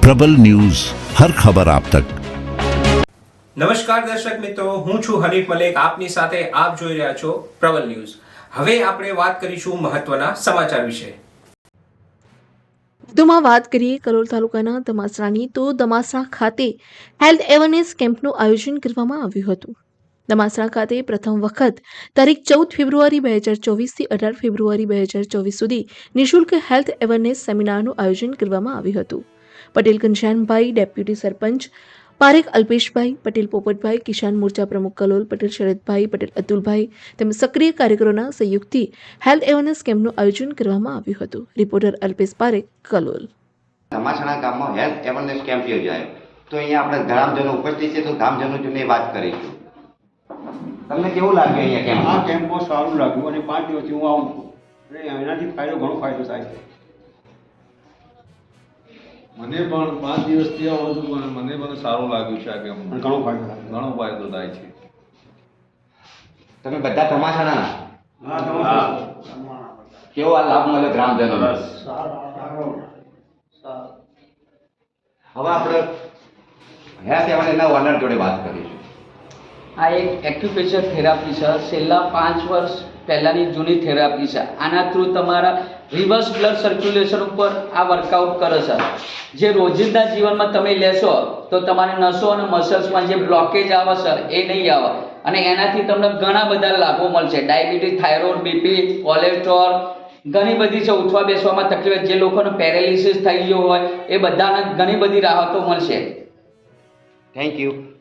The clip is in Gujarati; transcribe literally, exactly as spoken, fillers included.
પ્રબલ ન્યૂઝ હર ખબર આપ તક। નમસ્કાર દર્શક મિત્રો, હું છું હનીફ મલેક, આપની સાથે આપ જોઈ રહ્યા છો પ્રબલ ન્યૂઝ। હવે આપણે વાત કરીશું મહત્વના સમાચાર વિશે। વધુમાં વાત કરીએ કલોલ તાલુકાના દમાસરાની, તો દમાસરા ખાતે હેલ્થ એવરનેસ કેમ્પનું આયોજન કરવામાં આવ્યું હતું। દમાસરા ખાતે પ્રથમ વખત તારીખ ચૌદ ફેબ્રુઆરી બે હજાર ચોવીસથી અઢાર ફેબ્રુઆરી બે હજાર ચોવીસ સુધી નિઃશુલ્ક હેલ્થ એવરનેસ સેમિનારનું આયોજન કરવામાં આવ્યું હતું। પટેલ ઘનશ્યામભાઈ, ડેપ્યુટી સરપંચ પારેખ અલ્પેશભાઈ પટેલ, પોપટભાઈ, કિસાન મોરચા પ્રમુખ કલોલ પટેલ, શરદભાઈ પટેલ, અતુલભાઈ તેમજ સક્રિય કાર્યકરોના સહયોગથી હેલ્થ એવરનેસ કેમ્પનું આયોજન કરવામાં આવ્યું હતું। રિપોર્ટર અલ્પેશ પારેખ, કલોલ। દમાસણા ગામમાં હેલ્થ એવરનેસ કેમ્પ યોજાયો, તો અહીંયા આપણે ગ્રામજનો ઉપસ્થિત છે, તો ગ્રામજનોની વાત કરીશું। તમને કેવું લાગ્યું અહીંયા કેમ્પ? આ કેમ્પ બહુ સારું લાગ્યું અને પાંચ દિવસથી હું આવું છું અને એનાથી ફાયદો ઘણો ફાયદો થાય છે। મને પણ પાંચ દિવસથી આવું છું પણ મને પણ સારું લાગ્યું છે આ કેમ્પ, અને ઘણો ફાયદો થાય ઘણો ફાયદો થાય છે। તમે બધા ધમાસાના હા, કેવો આ લાભ મળ્યો ગ્રામજનોને? હવે આપણે હેલ્થ એવરનેસના ઓનર જોડે વાત કરીશું। આ એક એક્યુપ્રેશર થેરાપી છે, છેલ્લા પાંચ વર્ષ પહેલાંની જૂની થેરાપી છે। આના થ્રુ તમારા રિવર્સ બ્લડ સર્ક્યુલેશન ઉપર આ વર્કઆઉટ કરે છે। જે રોજિંદા જીવનમાં તમે લેશો તો તમારી નસો અને મસલ્સમાં જે બ્લોકેજ આવે છે એ નહીં આવે અને એનાથી તમને ઘણા બધા લાભો મળશે। ડાયાબિટીસ, થાઇરોઇડ, બીપી, કોલેસ્ટ્રોલ, ઘણી બધી છે ઉઠવા બેસવામાં તકલીફ, જે લોકોને પેરેલિસિસ થઈ ગયો હોય એ બધાને ઘણી બધી રાહતો મળશે। Thank you.